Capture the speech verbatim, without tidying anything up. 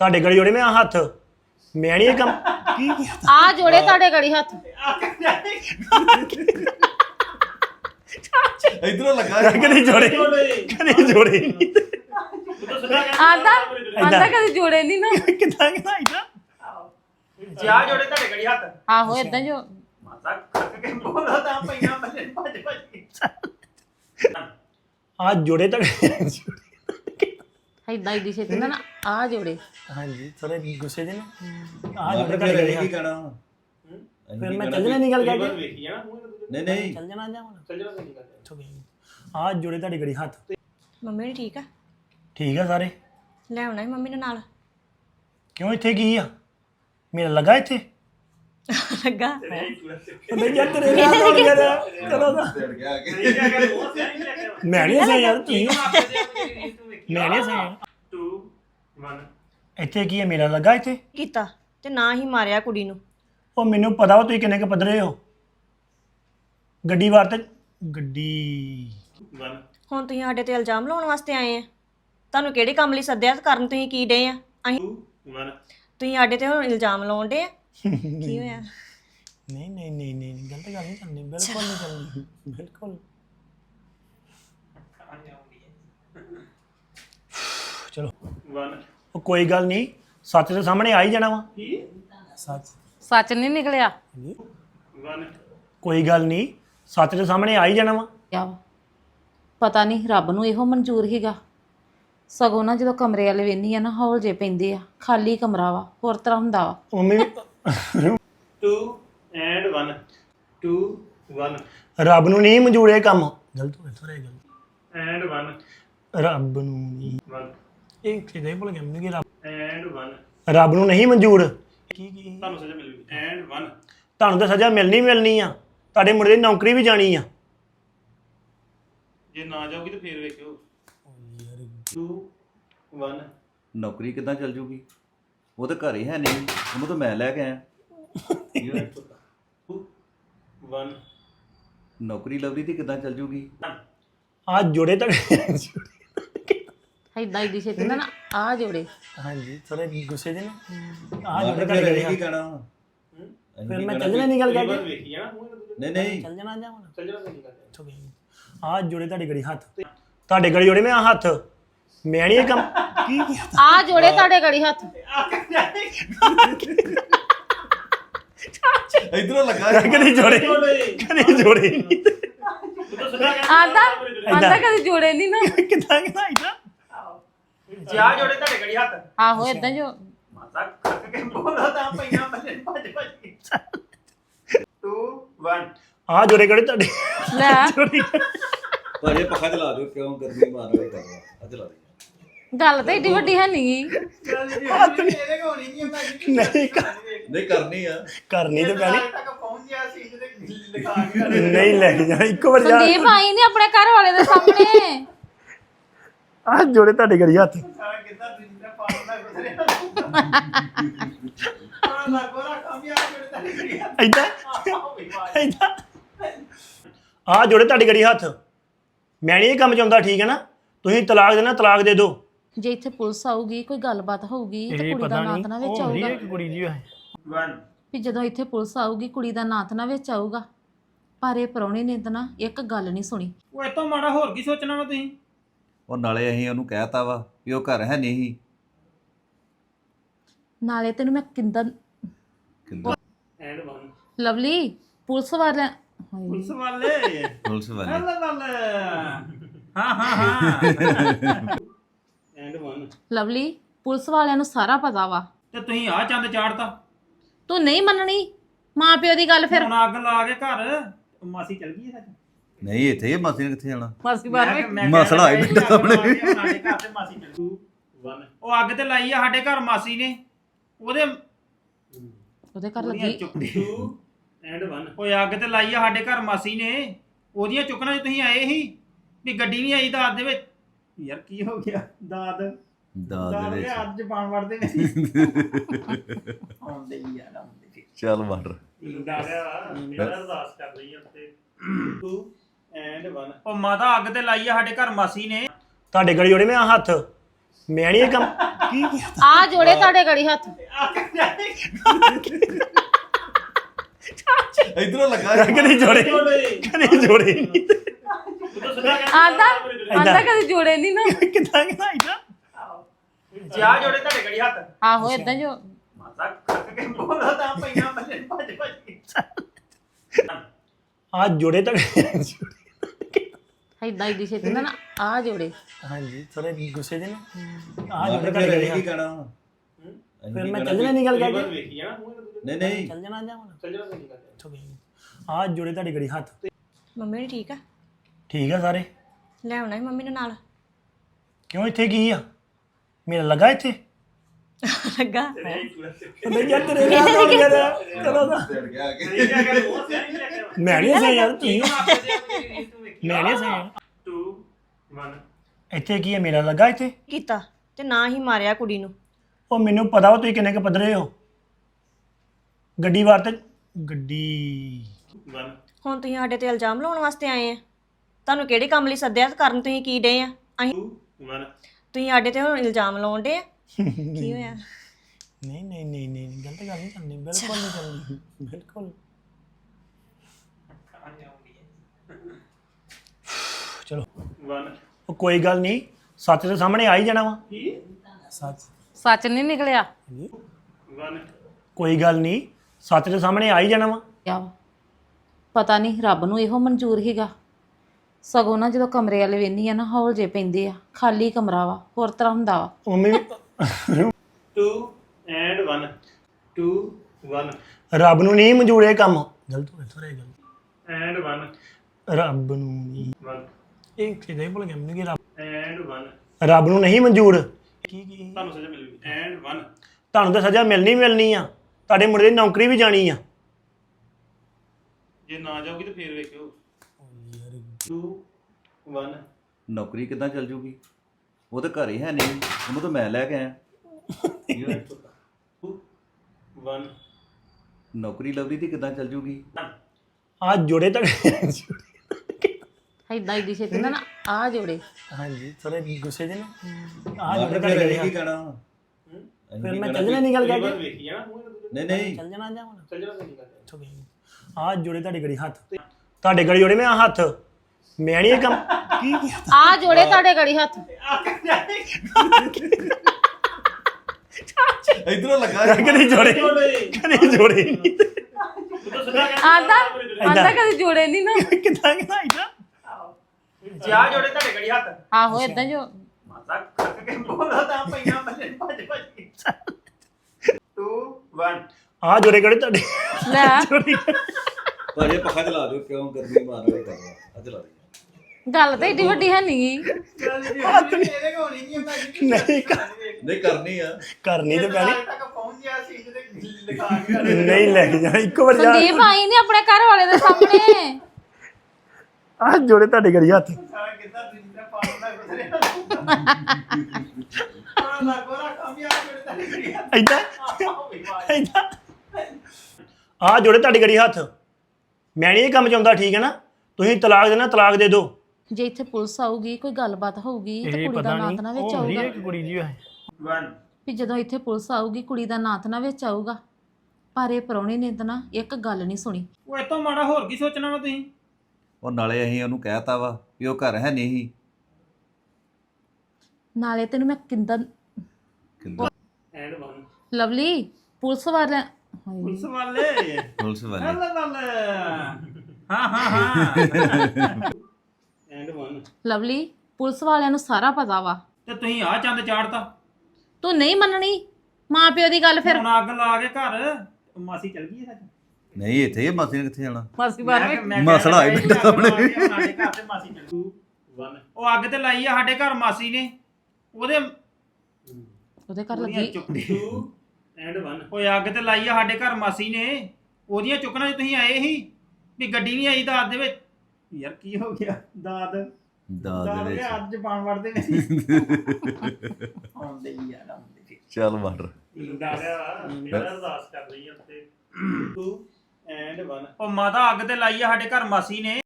ਤੁਹਾਡੇ ਗੜੀ ਜੋੜੇ ਮੈਂ ਆ ਹੱਥ ਮੈਂ ਨਹੀਂ ਇਹ ਕੰਮ ਕੀ ਆ ਜੋੜੇ ਤੁਹਾਡੇ ਗੜੀ ਹੱਥ ਇਧਰੋਂ ਲੱਗਾ ਕਦੇ ਜੋੜੇ ਕਦੇ ਜੋੜੇ ਨਹੀਂ ਆਂਦਾ ਆਂਦਾ ਕਦੇ ਜੋੜੇ ਨਹੀਂ ਨਾ ਕਿੱਦਾਂ ਕਿੱਦਾਂ ਇਦਾਂ ਜਾ ਜੋੜੇ ਤੁਹਾਡੇ ਗੜੀ ਹੱਥ ਆਹੋ ਇਦਾਂ ਜੋ ਮਾਤਾ ਖੱਕ ਕੇ ਬੋਲਦਾ ਤਾਂ ਪਈਆਂ ਬੱਲੇ ਭੱਜ ਭੱਜ ਕੇ ਆ ਜੋੜੇ ਤੁਹਾਡੇ ਇਦਾਂ ਇਦੀ ਛੇਤੀ ਨਾ ਆ ਜੋੜੇ ਹਾਂਜੀ ਥੋੜੇ ਗੁੱਸੇ ਦੇ ਨਾ ਆ ਆ ਜੋੜੇ ਫਿਰ ਤੁਹਾਡੇ ਇਹ ਗੜੀ ਕੀ ਕਹਿਣਾ ਫਿਰ ਮੈਂ ਚੱਲ ਜਣਾ ਨਿਕਲ ਗਿਆ ਵੇਖੀ ਜਾਣਾ ਨਹੀਂ ਨਹੀਂ ਚੱਲ ਜਣਾ ਜਾਵਾਂ ਚੱਲ ਜਾਣਾ ਨਹੀਂ ਕਰਦਾ ਆ ਜੋੜੇ ਤੁਹਾਡੀ ਗੜੀ ਹੱਥ ਮੰਮੀ ਨੇ ਠੀਕ ਆ ਠੀਕ ਆ ਸਾਰੇ ਲੈ ਆਉਣਾ ਸੀ ਮੰਮੀ ਨੂੰ ਨਾਲ ਕਿਉਂ ਇੱਥੇ ਕੀ ਆ ਮੇਰਾ ਲੱਗਾ ਇੱਥੇ ਲੱਗਾ ਨਹੀਂ ਯਾਰ ਤੇਰੇ ਨਾਲ ਹੋ ਗਿਆ ਚਲੋ ਨਾ ਡੜ ਗਿਆ ਕਿ ਮੈਂ ਨਹੀਂ ਸਹੀ ਯਾਰ ਤੁਸੀਂ ਮੈਂ ਨਹੀਂ ਸਹੀ ਦੋ ਇੱਕ ਇੱਥੇ ਕੀ ਹੈ ਮੇਰਾ ਲੱਗਾ ਇੱਥੇ ਕੀਤਾ ਤੇ ਨਾ ਹੀ ਮਾਰਿਆ ਕੁੜੀ ਨੂੰ ਉਹ ਮੈਨੂੰ ਪਤਾ ਵਾ ਤੁਸੀਂ ਕਿੰਨੇ ਕ ਪੱਧਰੇ ਹੋ ਗੱਡੀ ਵਾਰ ਤੇ ਗੱਡੀ ਇੱਕ ਹੁਣ ਤੁਸੀਂ ਸਾਡੇ ਤੇ ਇਲਜ਼ਾਮ ਲਾਉਣ ਵਾਸਤੇ ਆਏ ਆ ਤੁਹਾਨੂੰ ਕਿਹੜੇ ਕੰਮ ਲਈ ਸੱਦਿਆ ਤੇ ਕਰਨ ਤੁਸੀਂ ਕੀ ਡੇ ਆ ਅਸੀਂ ਇੱਕ ਤੁਸੀਂ ਸਾਡੇ ਤੇ ਹੁਣ ਇਲਜ਼ਾਮ ਲਾਉਣ ਡੇ ਆ ਕੀ ਹੋਇਆ ਨਹੀਂ ਨਹੀਂ ਨਹੀਂ ਨਹੀਂ ਨਹੀਂ, ਗਲਤ ਗੱਲ ਨਹੀਂ ਕਰਨੀ ਬਿਲਕੁਲ ਨਹੀਂ ਕਰਨੀ ਬਿਲਕੁਲ ਚਲੋ ਇੱਕ ਉਹ ਕੋਈ ਗੱਲ ਨਹੀਂ ਸੱਚ ਦੇ ਸਾਹਮਣੇ ਆ ਹੀ ਜਾਣਾ ਵਾ ਕੀ ਸੱਚ ਸੱਚ ਨਹੀਂ ਨਿਕਲਿਆ ਇੱਕ ਕੋਈ ਗੱਲ ਨਹੀਂ ਸੱਚ ਦੇ ਸਾਹਮਣੇ ਆ ਹੀ ਜਾਣਾ ਵਾ ਕਿਆ ਵਾ? ਪਤਾ ਨਹੀਂ ਰੱਬ ਨੂੰ ਇਹੋ ਮਨਜ਼ੂਰ ਹੀਗਾ ਸਗੋਂ ਨਾ ਜਦੋਂ ਕਮਰੇ ਵਾਲੇ ਵੇਨੀ ਆ ਨਾ ਹੌਲ ਜੇ ਪੈਂਦੇ ਆ ਖਾਲੀ ਕਮਰਾ ਵਾ ਹੋਰ ਤਰ੍ਹਾਂ ਹੁੰਦਾ ਵਾ ਮੰਮੀ ਵੀ- two and one two one ਰੱਬ ਨੂੰ ਨਹੀਂ ਮਨਜ਼ੂਰ ਇਹ ਕੰਮ ਗਲਤ ਹੋ ਗਿਆ ਥੋੜਾ ਗੱਲ and one ਰੱਬ ਨੂੰ ਨਹੀਂ one ਇਹ ਕਿਹਦੇ ਹੀ ਭੁੱਲ ਗਿਆ ਮੈਨੂੰ ਕਿ ਰੱਬ and one ਰੱਬ ਨੂੰ ਨਹੀਂ ਮਨਜ਼ੂਰ ਕੀ ਕੀ ਤੁਹਾਨੂੰ ਸਜ਼ਾ ਮਿਲੂਗੀ and one ਤੁਹਾਨੂੰ ਤਾਂ ਸਜ਼ਾ ਮਿਲਣੀ ਮਿਲਣੀ ਆ ਤੁਹਾਡੇ ਮੁੰਡੇ ਦੀ ਨੌਕਰੀ ਵੀ ਜਾਣੀ ਆ ਜੇ ਨਾ ਜਾਓਗੀ ਤਾਂ ਫੇਰ ਵੇਖਿਓ two one ਨੌਕਰੀ ਕਿੱਦਾਂ ਚੱਲ ਜੂਗੀ ਉਹ ਤਾਂ ਘਰ ਹੀ ਹੈ ਨਹੀਂ ਉਹਨੂੰ ਤਾਂ ਮੈਂ ਲੈ ਕੇ ਆਇਆ two one ਨੌਕਰੀ ਲਵਰੀ ਦੀ ਕਿੱਦਾਂ ਚੱਲ ਜੂਗੀ ਆ ਜੋੜੇ ਤੁਹਾਡੇ ਇਦਾਂ ਇਦੀ ਛੇਤੀ ਨਾ ਆ ਜੋੜੇ ਹਾਂਜੀ ਥੋੜੇ ਗੁੱਸੇ ਦੇ ਨਾ ਆ ਆ ਜੋੜੇ ਫਿਰ ਤੁਹਾਡੇ ਇਹ ਗੜੀ ਕੀ ਹੱਥ ਕਹਿਣਾ ਫਿਰ ਮੈਂ ਚੱਲ ਜਣਾ ਨਿਕਲ ਗਿਆ ਵੇਖੀ ਜਾਣਾ ਨਹੀਂ ਨਹੀਂ ਚੱਲ ਜਣਾ ਜਾਵਾਂ ਚੱਲ ਜਾਣਾ ਨਹੀਂ ਕਰਦਾ ਆ ਜੋੜੇ ਤੁਹਾਡੀ ਗੜੀ ਹੱਥ ਤੁਹਾਡੇ ਗੜੀ ਜੋੜੇ ਮੈਂ ਆ ਹੱਥ ਮੈਂ ਨਹੀਂ ਇਹ ਕੰਮ ਕੀ ਆ ਜੋੜੇ ਤੁਹਾਡੇ ਗੜੀ ਹੱਥ ਇਧਰੋਂ ਲੱਗਾ ਕਦੇ ਜੋੜੇ ਕਦੇ ਜੋੜੇ ਨਹੀਂ ਆਂਦਾ ਆਂਦਾ ਕਦੇ ਜੋੜੇ ਨਹੀਂ ਨਾ ਕਿੱਦਾਂ ਕਿੱਦਾਂ ਇਦਾਂ ਜਾ ਜੋੜੇ ਤੁਹਾਡੇ ਗੜੀ ਹੱਥ ਆਹੋ ਇਦਾਂ ਜੋ ਮਾਤਾ ਖੱਕ ਕੇ ਬੋਲਦਾ ਤਾਂ ਪਈਆਂ ਬੱਲੇ ਭੱਜ ਭੱਜ ਕੇ two one ਆ ਜੋੜੇ ਗੜੇ ਤੁਹਾਡੇ ਲੈ ਜੋੜੇ ਪਰ ਇਹ ਪੱਖਾ ਚਲਾ ਦਿਓ ਕਿਉਂ ਗਰਮੀ ਮਾਰ ਰਹੀ ਕਰਦਾ ਆ ਚਲਾ ਦੇ ਗੱਲ ਤਾਂ ਏਡੀ ਵੱਡੀ ਹੈ ਨਹੀਂ ਇਹਦੇ ਕੋਲ ਨਹੀਂ ਹੁੰਦਾ ਨਹੀਂ ਕਰ- ਨਹੀਂ ਕਰਨੀ ਆ ਕਰਨੀ ਤੇ ਪੈਣੀ ਤੱਕ ਪਹੁੰਚ ਗਿਆ ਸੀ ਜਿਹਦੇ ਲਿਖਾ ਕੇ ਨਹੀਂ ਲੈ ਕੇ ਜਾਣਾ ਇੱਕੋ ਵਾਰ ਜਾ ਸੰਦੀਪ ਆਈ ਨਹੀਂ ਆਪਣੇ ਘਰ ਵਾਲੇ ਦੇ ਸਾਹਮਣੇ ਆ ਜੋੜੇ ਤੁਹਾਡੇ ਗੜੀ ਹੱਥ ਸਾਰਾ ਕਿੱਦਾਂ ਦਿਨ ਦਾ ਪਾਉਣਾ ਗੁਜ਼ਰਿਆ ਹਾਂ ਨਾ ਕੋਰਾ ਕਾਮਯਾਬ ਜੋੜੇ ਤੁਹਾਡੇ ਗੜੀ ਹੱਥ ਇਦਾਂ ਇਦਾਂ ਆ ਜੋੜੇ ਤੁਹਾਡੀ ਗੜੀ ਹੱਥ ਮੈਂ ਨਹੀਂ ਇਹ ਕੰਮ ਚਾਹੁੰਦਾ ਠੀਕ ਹੈ ਨਾ ਤੁਸੀਂ ਤਲਾਕ ਦੇਣਾ ਤਲਾਕ ਦੇ ਦਿਓ ਜੇ ਇੱਥੇ ਪੁਲਿਸ ਆਊਗੀ ਕੋਈ ਗੱਲਬਾਤ ਹੋਊਗੀ ਤੇ ਕੁੜੀ ਦਾ ਨਾਂ ਤਾਂ ਨਾ ਵਿੱਚ ਆਊਗਾ ਕੁੜੀ ਜੀ ਹੈ one ਵੀ ਜਦੋਂ ਇੱਥੇ ਪੁਲਿਸ ਆਊਗੀ ਕੁੜੀ ਦਾ ਨਾਂ ਤਾਂ ਨਾ ਵਿੱਚ ਆਊਗਾ ਪਰ ਇਹ ਪ੍ਰਾਹੁਣੇ ਨੇ ਤਾਂ ਨਾ ਇੱਕ ਗੱਲ ਨਹੀਂ ਸੁਣੀ ਉਹ ਇਤੋਂ ਮਾੜਾ ਹੋਰ ਕੀ ਸੋਚਣਾ ਵਾ ਤੁਸੀਂ ਉਹ ਨਾਲੇ ਅਸੀਂ ਉਹਨੂੰ ਕਹਿਤਾ ਵਾ ਵੀ ਉਹ ਘਰ ਹੈ ਨਹੀਂ ਨਾਲੇ ਤੈਨੂੰ ਮੈਂ ਕਿੰਦਾ ਕਿੱਦਾਂ and one ਲਵਲੀ ਪੁਲਿਸ ਵਾਲਿਆਂ ਹਾਏ। ਪੁਲਿਸ ਵਾਲੇ ਪੁਲਿਸ ਵਾਲੇ ਲੱਲ ਲੱਲ ਹਾਂ ਹਾਂ ਹਾਂ and one ਲਵਲੀ ਪੁਲਿਸ ਵਾਲਿਆਂ ਨੂੰ ਸਾਰਾ ਪਤਾ ਵਾ ਤੇ ਤੁਸੀਂ ਆ ਚੰਦ ਚਾੜਤਾ ਤੂੰ ਨਹੀਂ ਮੰਨਣੀ ਮਾਂ ਪਿਓ ਦੀ ਗੱਲ ਫਿਰ ਹੁਣ ਅੱਗ ਲਾ ਕੇ ਘਰ ਮਾਸੀ ਚਲ ਗਈ ਹੈ ਸੱਚ ਨਹੀਂ ਇੱਥੇ ਹੀ ਮਾਸੀ ਨੇ ਕਿੱਥੇ ਜਾਣਾ ਮਾਸੀ ਬਾਰੇ ਮਸਲਾ ਆਈ ਬੇਟਾ ਸਾਹਮਣੇ। ਸਾਡੇ ਘਰ ਤੇ ਮਾਸੀ ਚਲ ਗਈ one ਉਹ ਅੱਗ ਤੇ ਲਾਈ ਆ ਸਾਡੇ ਘਰ ਮਾਸੀ ਨੇ ਉਹਦੇ ਉਹਦੇ ਘਰ ਉਹਦੀਆਂ ਲੱਗੀ ਚੁੱਕ two and one ਓਏ ਅੱਗ ਤੇ ਲਾਈ ਆ ਸਾਡੇ ਘਰ ਮਾਸੀ ਨੇ ਉਹਦੀਆਂ ਚੁੱਕਣਾ ਜੇ ਤੁਸੀਂ ਆਏ ਸੀ ਵੀ ਗੱਡੀ ਨਹੀਂ ਆਈ ਦਾਦ ਦੇ ਵਿੱਚ ਯਾਰ ਕੀ ਹੋ ਗਿਆ ਦਾਦ ਦਾਦ ਦੇ ਦਾਦ ਵਿੱਚ ਦੇ ਅੱਜ ਪਾਣ ਵੜਦੇ ਨੇ ਆਉਂਦੇ ਹੀ ਯਾਰ ਆਉਂਦੇ ਚੱਲ ਮਾਰ ਦਾਦਿਆ ਮੇਰਾ ਅਰਦਾਸ ਕਰ ਰਹੀ ਆ ਤੇ two and one ਉਹ ਮਾਤਾ ਅੱਗ ਤੇ ਲਾਈ ਆ ਸਾਡੇ ਘਰ ਮਾਸੀ ਨੇ ਤੁਹਾਡੇ ਗੜੀ ਜੋੜੇ ਮੈਂ ਆ ਹੱਥ ਮੈਂ ਨਹੀਂ ਇਹ ਕੰਮ ਕੀ ਕੀਤਾ ਆ ਜੋੜੇ ਤੁਹਾਡੇ ਗੜੀ ਹੱਥ ਇਧਰੋਂ ਲੱਗਾ ਕਦੀ ਜੋੜੇ ਕਦੀ ਜੋੜੇ ਨਹੀਂ ਆਂਦਾ ਆਂਦਾ ਕਦੇ ਜੋੜੇ ਨਹੀਂ ਨਾ ਕਿਦਾਂ ਕਿਦਾਂ ਇਦਾਂ ਜਾ ਜੋੜੇ ਤੁਹਾਡੇ ਗੜੀ ਹੱਥ ਆਹੋ ਇਦਾਂ ਜੋ ਮਾਤਾ ਖੱਕ ਕੇ ਬੋਲਦਾ ਤਾਂ ਪਈਆਂ ਬੱਲੇ ਭੱਜ ਭੱਜ ਕੇ ਆ ਜੋੜੇ ਤੱਕ ਇਦਾਂ ਹੀ ਛੇਤੀ ਨਾ ਆ ਜੋੜੇ ਹਾਂਜੀ ਥੋੜੇ ਗੁੱਸੇ ਦੇ ਨਾ ਆ ਆਹ ਜੋੜੇ ਫਿਰ ਤੱਕ ਅਸੀਂ ਕੀ ਕਹਿਣਾ ਹੁਣ? ਅਸੀਂ ਫਿਰ ਕੀ ਮੈਂ ਕਹਿਣਾ ਚੱਲ ਜਾਣਾ ਨਹੀਂ ਗੱਲ ਵਾਰ ਕਰਕੇ ਵੇਖੀ ਜਾਣਾ ਮੂੰਹ ਤੇ ਨਹੀਂ ਨਹੀਂ ਚੱਲ ਜਾਣਾ ਜਾਂ ਹੁਣ ਚੱਲ ਜਾਣਾ ਸਹੀ ਗੱਲ ਆ ਜੋੜੇ ਤੁਹਾਡੀ ਗੜੀ ਹੱਥ ਮੰਮੀ ਨੇ ਠੀਕ ਆ ਠੀਕ ਆ ਸਾਰੇ ਲੈ ਆਉਣਾ ਸੀ ਮੰਮੀ ਨੂੰ ਨਾਲ ਕਿਉਂ ਇੱਥੇ ਕੀ ਆ ਮੇਰਾ ਲੱਗਾ ਇੱਥੇ ਲੱਗਾ ਨਹੀਂ ਯਾਰ ਤੇਰੇ ਨਾਲ ਕੌਣ ਕਰ ਰਿਹਾ ਚਲੋ ਨਾ ਡਰ ਗਿਆ ਕਿ ਕੀ ਕਰ ਉਹ ਸਿਆਣੀ ਲੈ ਕੇ ਮੈਂ ਨਹੀਂ ਸਹੀ ਯਾਰ ਤੁਸੀਂ ਮੈਂ ਮੈਂ ਨਹੀਂ ਸਹੀ ਟੂ ਵਨ ਇੱਥੇ ਕੀ ਹੈ ਮੇਰਾ ਲੱਗਾ ਇੱਥੇ ਕੀਤਾ ਤੇ ਨਾ ਹੀ ਮਾਰਿਆ ਕੁੜੀ ਨੂੰ ਉਹ ਮੈਨੂੰ ਪਤਾ ਵਾ ਤੁਸੀਂ ਕਿੰਨੇ ਕ ਪੱਧਰੇ ਹੋ ਗੱਡੀ ਵਾਰ ਤੇ ਗੱਡੀ ਵਨ ਹੁਣ ਤੁਸੀਂ ਸਾਡੇ ਤੇ ਇਲਜ਼ਾਮ ਲਾਉਣ ਵਾਸਤੇ ਆਏ ਆ ਤੁਹਾਨੂੰ ਕਿਹੜੇ ਕੰਮ ਲਈ ਸੱਦਿਆ ਤੇ ਕਰਨ ਤੁਸੀਂ ਕੀ ਡੇ ਆ ਅਸੀਂ ਟੂ ਵਨ ਤੁਸੀਂ ਸਾਡੇ ਤੇ ਹੁਣ ਇਲਜ਼ਾਮ ਲਾਉਣ ਡੇ ਆ ਕੀ ਹੋਇਆ ਨਹੀਂ ਨਹੀਂ ਨਹੀਂ ਨਹੀਂ ਗਲਤ ਗੱਲ ਨਹੀਂ ਕਰਨੀ ਬਿਲਕੁਲ ਨਹੀਂ ਕਰਨੀ ਬਿਲਕੁਲ ਚਲੋ ਵਨ ਉਹ ਕੋਈ ਗੱਲ ਨਹੀਂ ਸੱਚ ਦੇ ਸਾਹਮਣੇ ਆ ਹੀ ਜਾਣਾ ਵਾ ਕੀ ਸੱਚ ਸੱਚ ਨਹੀਂ ਨਿਕਲਿਆ ਵਨ ਕੋਈ ਗੱਲ ਨਹੀਂ ਸੱਚ ਦੇ ਸਾਹਮਣੇ ਆ ਹੀ ਜਾਣਾ ਵਾ ਕਿਆ ਵਾ? ਪਤਾ ਨਹੀਂ ਰੱਬ ਨੂੰ ਇਹੋ ਮਨਜ਼ੂਰ ਹੀਗਾ ਸਗੋਂ ਨਾ ਜਦੋਂ ਕਮਰੇ ਵਾਲੇ ਵੇਨੀ ਆ ਨਾ ਹੌਲ ਜੇ ਪੈਂਦੇ ਆ ਖਾਲੀ ਕਮਰਾ ਵਾ ਹੋਰ ਤਰ੍ਹਾਂ ਹੁੰਦਾ ਵਾ mummy two and one two one ਰੱਬ ਨੂੰ ਨਹੀਂ ਮਨਜ਼ੂਰ ਇਹ ਕੰਮ ਗਲਤ ਹੋਇਆ ਥੋੜਾ ਗਲਤ ਐਂਡ ਵਨ ਰੱਬ ਨੂੰ ਨਹੀਂ ਵਨ ਇਹ ਕਿਤੇ ਭੁੱਲ ਗਿਆ ਮੈਨੂੰ ਕਿ ਰੱਬ ਐਂਡ ਵਨ ਰੱਬ ਨੂੰ ਨਹੀਂ ਮਨਜ਼ੂਰ ਕੀ ਕੀ ਤੁਹਾਨੂੰ ਸਜ਼ਾ ਮਿਲੂਗੀ ਐਂਡ ਵਨ ਤੁਹਾਨੂੰ ਤਾਂ ਸਜ਼ਾ ਮਿਲਣੀ ਮਿਲਣੀ ਆ ਤੁਹਾਡੇ ਮੁੰਡੇ ਦੀ ਨੌਕਰੀ ਵੀ ਜਾਣੀ ਆ ਜੇ ਨਾ ਜਾਓਗੀ ਤਾਂ ਫੇਰ ਵੇਖਿਓ ਟੂ ਵਨ ਨੌਕਰੀ ਕਿੱਦਾਂ ਚੱਲ ਜੂਗੀ ਉਹ ਤਾਂ ਘਰ ਹੀ ਹੈ ਨਹੀਂ ਉਹਨੂੰ ਤਾਂ ਮੈਂ ਲੈ ਕੇ ਆਇਆ ਟੂ ਵਨ ਨੌਕਰੀ ਲਵਲੀ ਦੀ ਕਿੱਦਾਂ ਚੱਲ ਜੂਗੀ ਆ ਜੋੜੇ ਤੱਕ ਇਦਾਂ ਹੀ ਛੇਤੀ ਨਾ ਆ ਜੋੜੇ ਹਾਂਜੀ ਥੋੜੇ ਗੁੱਸੇ ਦੇ ਨਾ ਆ ਆਹ ਜੋੜੇ ਫਿਰ ਤੱਕ ਅਸੀਂ ਕੀ ਕਹਿਣਾ ਹੁਣ? ਅਸੀਂ ਫਿਰ ਕੀ ਮੈਂ ਕਹਿਣਾ ਚੱਲ ਜਾਣਾ ਨਹੀਂ ਗੱਲ ਵਾਰ ਕਰਕੇ ਵੇਖੀ ਜਾਣਾ ਮੂੰਹ ਤੇ ਨਹੀਂ ਨਹੀਂ ਚੱਲ ਜਾਣਾ ਜਾਂ ਹੁਣ ਚੱਲ ਜਾਣਾ ਸਹੀ ਗੱਲ ਆ ਜੋੜੇ ਤੁਹਾਡੀ ਗੜੀ ਹੱਥ ਤੁਹਾਡੇ ਗੜੀ ਜੋੜੇ ਮੈਂ ਆ ਹੱਥ ਮੈਂ ਨਹੀਂ ਇਹ ਕੰਮ ਕੀ ਕੀਤਾ ਆ ਜੋੜੇ ਤੁਹਾਡੇ ਗੜੀ ਹੱਥ ਇਧਰੋਂ ਲੱਗਾ ਕਦੀ ਜੋੜੇ ਕਦੀ ਜੋੜੇ ਨਹੀਂ ਆਂਦਾ ਆਂਦਾ ਕਦੇ ਜੋੜੇ ਨਹੀਂ ਨਾ ਕਿਦਾਂ ਕਿਦਾਂ ਇਦਾਂ ਜਾ ਜੋੜੇ ਤੁਹਾਡੇ ਗੜੀ ਹੱਥ ਆਹੋ ਇਦਾਂ ਜੋ ਮਾਤਾ ਖੱਕ ਕੇ ਬੋਲਦਾ ਤਾਂ ਪਈਆਂ ਬੱਲੇ ਭੱਜ ਭੱਜ ਕੇ ਟੂ ਵਨ ਆ ਜੋੜੇ ਗੜੇ ਤੁਹਾਡੇ ਲੈ ਜੋੜੇ ਭਾਜੀ ਪੱਖਾ ਚਲਾ ਦਿਓ ਕਿਉਂ ਗਰਮੀ ਮਾਰ ਰਹੀ ਹੈ ਆ ਚਲਾ ਦਿਓ ਗੱਲ ਤਾਂ ਏਡੀ ਵੱਡੀ ਹੈ ਨਹੀਂ ਇਹਦੇ ਕੋਲ ਨਹੀਂ ਹੁੰਦਾ ਨਹੀਂ ਕਰ- ਨਹੀਂ ਕਰਨੀ ਆ ਕਰਨੀ ਤੇ ਪੈਣੀ ਤੱਕ ਪਹੁੰਚ ਗਿਆ ਸੀ ਜਿਹਦੇ ਲਿਖਾ ਕੇ ਨਹੀਂ ਲੈ ਕੇ ਜਾਣਾ ਇੱਕੋ ਵਾਰ ਜਾ ਸੰਦੀਪ ਆਈ ਨਹੀਂ ਆਪਣੇ ਘਰ ਵਾਲੇ ਦੇ ਸਾਹਮਣੇ ਆ ਜੋੜੇ ਤੁਹਾਡੇ ਗੜੀ ਹੱਥ ਸਾਰਾ ਕਿੱਦਾਂ ਦੂਜੀ ਦਾ ਪਾਉਣਾ ਗੁਜ਼ਰਿਆ ਆਹ ਲੱਗੋਰਾ ਕਾਮਯਾਬ ਜੋੜੇ ਤੁਹਾਡੇ ਗੜੀ ਹੱਥ ਇਦਾਂ ਆਹ ਵੀ ਵਾਹ ਇਦਾਂ ਆ ਜੋੜੇ ਤੁਹਾਡੀ ਗੜੀ ਹੱਥ ਮੈਂ ਨਹੀਂ ਇਹ ਕੰਮ ਚਾਹੁੰਦਾ ਠੀਕ ਹੈ ਨਾ ਤੁਸੀਂ ਤਲਾਕ ਦੇਣਾ ਤਲਾਕ ਦੇ ਦਿਓ ਜੇ ਇੱਥੇ ਪੁਲਿਸ ਆਊਗੀ ਕੋਈ ਗੱਲਬਾਤ ਹੋਊਗੀ ਤੇ ਕੁੜੀ ਦਾ ਨਾਂ ਤਾਂ ਨਾ ਵਿੱਚ ਆਊਗਾ ਕੁੜੀ ਜੀ ਹੈ ਵਨ ਵੀ ਜਦੋਂ ਇੱਥੇ ਪੁਲਿਸ ਆਊਗੀ ਕੁੜੀ ਦਾ ਨਾਂ ਤਾਂ ਨਾ ਵਿੱਚ ਆਊਗਾ ਪਰ ਇਹ ਪ੍ਰਾਹੁਣੇ ਨੇ ਤਾਂ ਨਾ ਇੱਕ ਗੱਲ ਨਹੀਂ ਸੁਣੀ ਉਹ ਇਤੋਂ ਮਾੜਾ ਹੋਰ ਕੀ ਸੋਚਣਾ ਵਾ ਤੁਸੀਂ ਉਹ ਨਾਲੇ ਅਸੀਂ ਉਹਨੂੰ ਕਹਿਤਾ ਵਾ ਵੀ ਉਹ ਘਰ ਹੈ ਨਹੀਂ ਨਾਲੇ ਤੈਨੂੰ ਮੈਂ ਕਿੰਦਾ ਕਿੰਦਾ ਐਂਡ ਵਨ ਲਵਲੀ ਪੁਲਿਸ ਵਾਲਿਆਂ ਹਾਏ। ਪੁਲਿਸ ਵਾਲੇ ਪੁਲਿਸ ਵਾਲੇ ਲੱਲ ਲੱਲ ਹਾਂ ਹਾਂ ਹਾਂ ਐਂਡ ਵਨ ਲਵਲੀ ਪੁਲਿਸ ਵਾਲਿਆਂ ਨੂੰ ਸਾਰਾ ਪਤਾ ਵਾ ਤੇ ਤੁਸੀਂ ਆ ਚੰਦ ਚਾੜਤਾ ਤੂੰ ਨਹੀਂ ਮੰਨਣੀ ਮਾਂ ਪਿਓ ਦੀ ਗੱਲ ਫਿਰ ਹੁਣ ਅੱਗ ਲਾ ਕੇ ਘਰ ਮਾਸੀ ਚਲ ਗਈ ਹੈ ਸੱਚ ਨਹੀਂ ਇੱਥੇ ਮਾਸੀ ਨੇ ਕਿੱਥੇ ਜਾਣਾ ਮਾਸੀ ਮੈਂ ਬਾਰੇ ਕਿਹਾ- ਮੈਂ ਮਸਲਾ ਕਿਹਾ ਹੈ ਬੇਟਾ ਅੱਗ ਲਾ ਕੇ ਸਾਡੇ ਘਰ ਤੇ ਮਾਸੀ ਚਲ ਗਈ ਵਨ ਉਹ ਅੱਗ ਤੇ ਲਾਈ ਆ ਸਾਡੇ ਘਰ ਮਾਸੀ ਨੇ ਉਹਦੇ ਉਹਦੇ ਘਰ ਉਹਦੀਆਂ ਲੱਗੀ ਚੁੱਕ ਐਂਡ ਵਨ ਓਏ ਅੱਗ ਤੇ ਲਾਈ ਆ ਸਾਡੇ ਘਰ ਮਾਸੀ ਨੇ ਉਹਦੀਆਂ ਚੁੱਕਣਾ ਚ ਤੁਸੀਂ ਆਏ ਸੀ ਵੀ ਗੱਡੀ ਨਹੀਂ ਆਈ ਦਾਦ ਦੇ ਵਿੱਚ ਯਾਰ ਕੀ ਹੋ ਗਿਆ ਦਾਦ ਦਾਦ ਦਾਦ ਦੇ ਦੇ ਵਿੱਚ ਅੱਜ ਬਾਣ ਵੜਦੇ ਨੇ ਆਉਂਦੇ ਹੀ ਯਾਰ ਆਉਂਦੇ ਚੱਲ ਮਾਰ ਦਾਦਾ ਮੇਰਾ ਅਰਦਾਸ ਕਰ ਰਹੀ ਆ ਉੱਤੇ ਟੂ ਐਂਡ ਵਨ ਉਹ ਮਾਤਾ ਅੱਗ ਤੇ ਲਾਈ ਆ ਸਾਡੇ ਘਰ ਮਾਸੀ ਨੇ